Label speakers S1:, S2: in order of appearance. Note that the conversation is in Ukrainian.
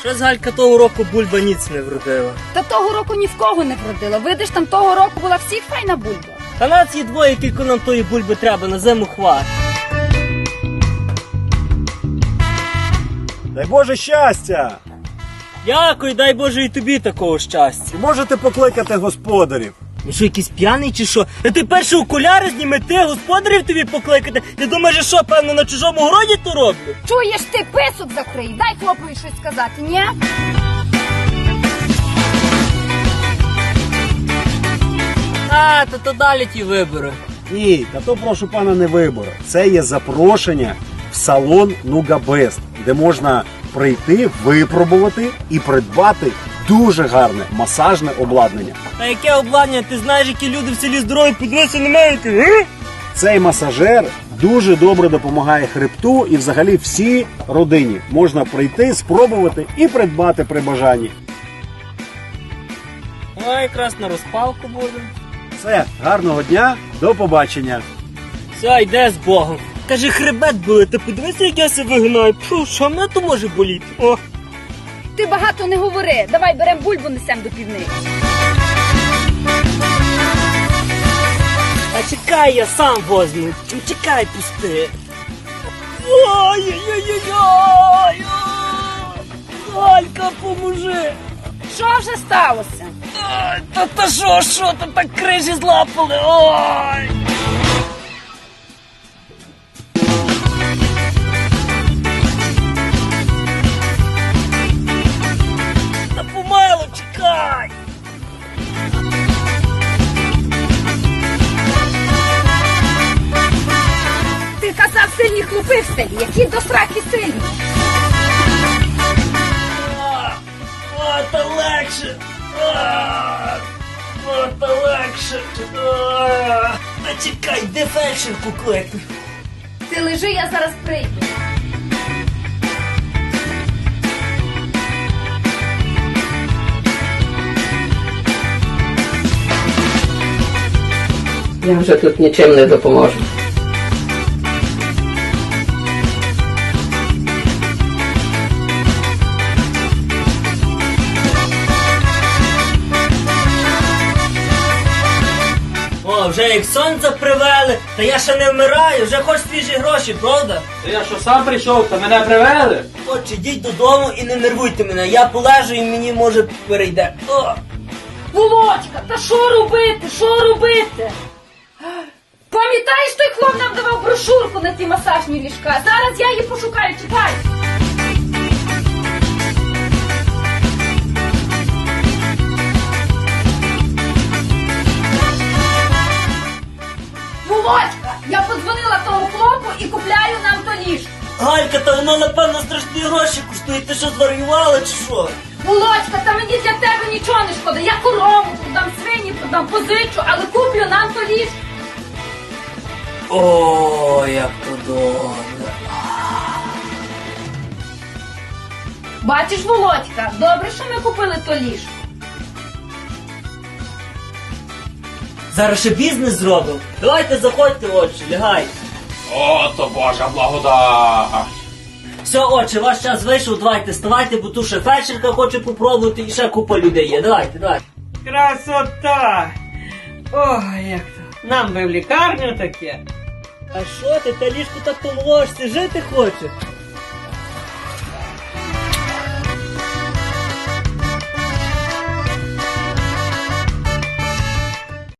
S1: Щось Галька того року бульба ніц не вродила.
S2: Та того року ні в кого не вродила. Видиш, там того року була всіх файна бульба.
S1: Та нас є двоє, кілько нам тої бульби треба, на зиму хват.
S3: Дай Боже щастя!
S1: Дякую, дай Боже і тобі такого щастя.
S3: Чи можете покликати господарів?
S1: Ну що, якийсь п'яний чи що? Ти перші окуляри зніми, ти господарів тобі покликати? Ти думаєш, що, певно, на чужому городі то роблю?
S2: Чуєш ти, писок закрий, дай хлопові щось сказати, ні?
S1: А, то далі ті вибори.
S3: Ні, та то прошу пана не вибори. Це є запрошення в салон Нугабест, де можна прийти, випробувати і придбати дуже гарне масажне обладнання.
S1: А яке обладнання? Ти знаєш, які люди в селі здорові, подивися на мене, ти,
S3: Цей масажер дуже добре допомагає хребту і взагалі всій родині. Можна прийти, спробувати і придбати при бажанні.
S1: О, якраз на розпалку буде.
S3: Все, гарного дня, до побачення.
S1: Все, йде з Богом. Каже, хребет болить, ти подивися, як я себе вигинаю. Фу, що мене то може боліти? О.
S2: Ти багато не говори, давай берем бульбу, несем до півниці.
S1: А чекай, я сам возьму. Чекай, пусти. Ой-ой-ой-ой-ой! Галька, поможи!
S2: Що вже сталося?
S1: Ой, та що, та так крижі злапали, ой! Та помило, чекай!
S2: Ти казав, сильні хлопи в селі, які до сраки сильні.
S1: О, та легше! О, та легше! А чекай, де фельдшерку кликну?
S2: Ти лежи, я зараз прийду.
S4: Я вже тут нічим не допоможу.
S1: О, вже як сонце привели, та я ще не вмираю, вже хоч свіжі гроші, правда?
S5: Та я що сам прийшов, та мене привели?
S1: От, ідіть додому і не нервуйте мене, я полежу і мені, може, перейде. О!
S2: Володька, та що робити, що робити? Пам'ятаєш, той хлоп нам давав брошурку на ці масажні ліжка? Зараз я її пошукаю, чекай. Володька, я подзвонила тому хлопу і купляю нам то ліжко.
S1: Галька, та воно, напевно, страшні гроші коштує, ти що, зварювала чи що?
S2: Володька, та мені для тебе нічого не шкода. Я корову продам, свині продам, позичу, але куплю нам то ліжко.
S1: О, як то добре.
S2: Бачиш, Володька, добре, що ми купили то ліжко.
S1: Зараз ще бізнес зробимо. Давайте заходьте, отче, лягайте.
S5: О, то Божа благодать!
S1: Все, отче, ваш час вийшов, давайте вставайте, бо тут ще фельдшерка хоче попробувати і ще купа людей є. Давайте, давайте.
S6: Красота! Ой, як то. Нам би в лікарню таке.
S1: А що ти, та ліжко так помолошся, жити хоче?